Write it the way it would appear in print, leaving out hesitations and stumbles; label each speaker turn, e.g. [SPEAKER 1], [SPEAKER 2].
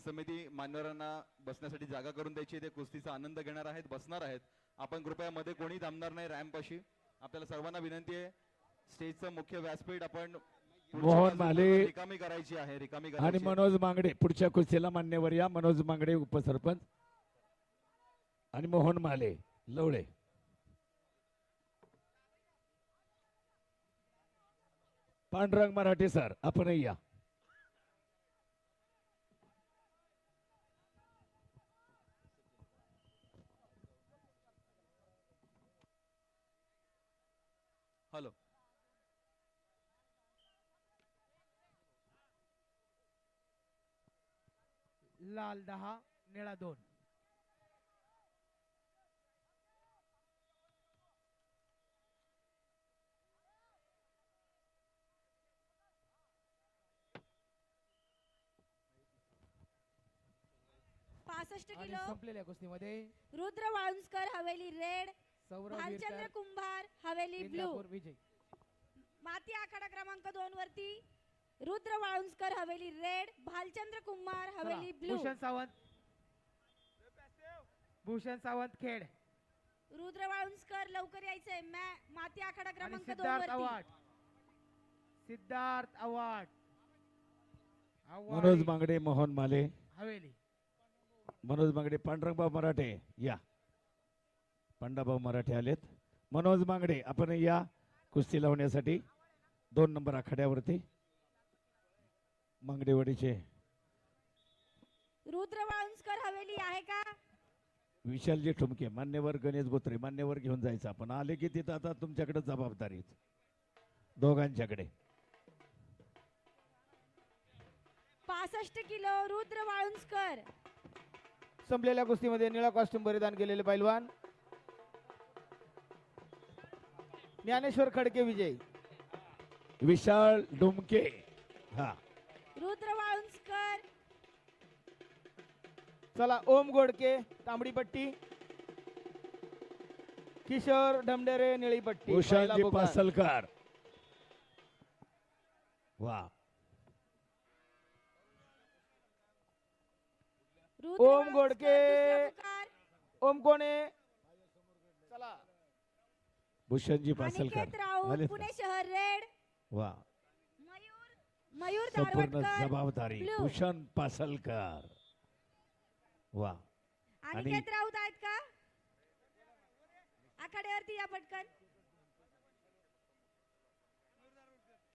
[SPEAKER 1] समिती मान्यवरांना बसण्यासाठी जागा करून द्यायची, ते कुस्तीचा आनंद घेणार आहेत, बसणार आहेत. आपण कृपया मध्ये कोणी थांबणार नाही रॅम्पपाशी. आपल्याला सर्वांना विनंती आहे, स्टेजचं मुख्य व्यासपीठ आपण
[SPEAKER 2] मोहन माले
[SPEAKER 1] रिकामी करायची आहे, रिकामी
[SPEAKER 2] आणि
[SPEAKER 1] करायची.
[SPEAKER 2] मनोज मांगडे पुढच्या कुस्तीला मान्यवर या. मनोज मांगडे उपसरपंच आणि मोहन माले लवळे. पांडुरंग मराठे सर आपणही या.
[SPEAKER 1] हॅलो.
[SPEAKER 3] लाल 10 निळा 2.
[SPEAKER 4] किलो
[SPEAKER 3] संपलेल्या कुस्तीमध्ये
[SPEAKER 4] रुद्र वाळुंजकर हवेली रेड,
[SPEAKER 3] सौरभ
[SPEAKER 4] भालचंद्र
[SPEAKER 3] विरकर,
[SPEAKER 4] कुंभार हवेली ब्लू.
[SPEAKER 3] इंदापूर विजय.
[SPEAKER 4] माती आखाडा क्रमांक 2 वरती रुद्र वाळुंजकर हवेली रेड, भालचंद्र कुंभार हवेली ब्लू.
[SPEAKER 3] भूषण सावंत खेड.
[SPEAKER 4] रुद्र वाळुंजकर लवकर यायचंय. माती आखाडा क्रमांक 2
[SPEAKER 3] सिद्धार्थ
[SPEAKER 4] वरती
[SPEAKER 3] आव्हाड. सिद्धार्थ आव्हाड
[SPEAKER 2] मनोज मांगडे मोहन माले.
[SPEAKER 3] हवेली.
[SPEAKER 2] मनोज मांगडे पांडुरंगभाऊ मराठे या. पांडाभाऊ मराठे आलेत. मनोज मांगडे आपण या कुस्ती लावण्यासाठी 2 नंबर आखाड्यावरती. मांगडेवाडीचे
[SPEAKER 4] रुद्र वाळुंजकर हवेली आहे का?
[SPEAKER 2] विशालजी ठुमके मान्यवर, गणेश बोत्रे मान्यवर घेऊन जायचं. आपण आले की तिथं आता तुमच्याकडे जबाबदारी दोघांच्याकडे.
[SPEAKER 4] 65 किलो रुद्र वाळुंजकर.
[SPEAKER 3] संपलेल्या कुस्तीमध्ये निळा कॉस्ट्युम परिधान केलेले पैलवान ज्ञानेश्वर खडके विजय.
[SPEAKER 2] विशाल डुमके हा.
[SPEAKER 4] रुद्र वाळुंजकर.
[SPEAKER 3] चला ओम गोडके तांबडी पट्टी, किशोर ढमडेरे निळी पट्टी.
[SPEAKER 2] भूषणजी पासलकर वा.
[SPEAKER 3] ओम गोडके, ओम कोणे. चला
[SPEAKER 2] भूषणजी पासलकर
[SPEAKER 4] अनिकेत राऊत
[SPEAKER 2] आलेत
[SPEAKER 4] पुणे
[SPEAKER 2] ना?
[SPEAKER 4] शहर रेड.
[SPEAKER 2] वा.
[SPEAKER 4] मयूर
[SPEAKER 2] संपूर्ण
[SPEAKER 4] दारवटकर
[SPEAKER 2] जबाबदारी
[SPEAKER 4] ब्लू.
[SPEAKER 2] भूषण पासलकर वा.
[SPEAKER 4] अनिकेत राऊत आहेत का आखाड्यावरती या पटकन.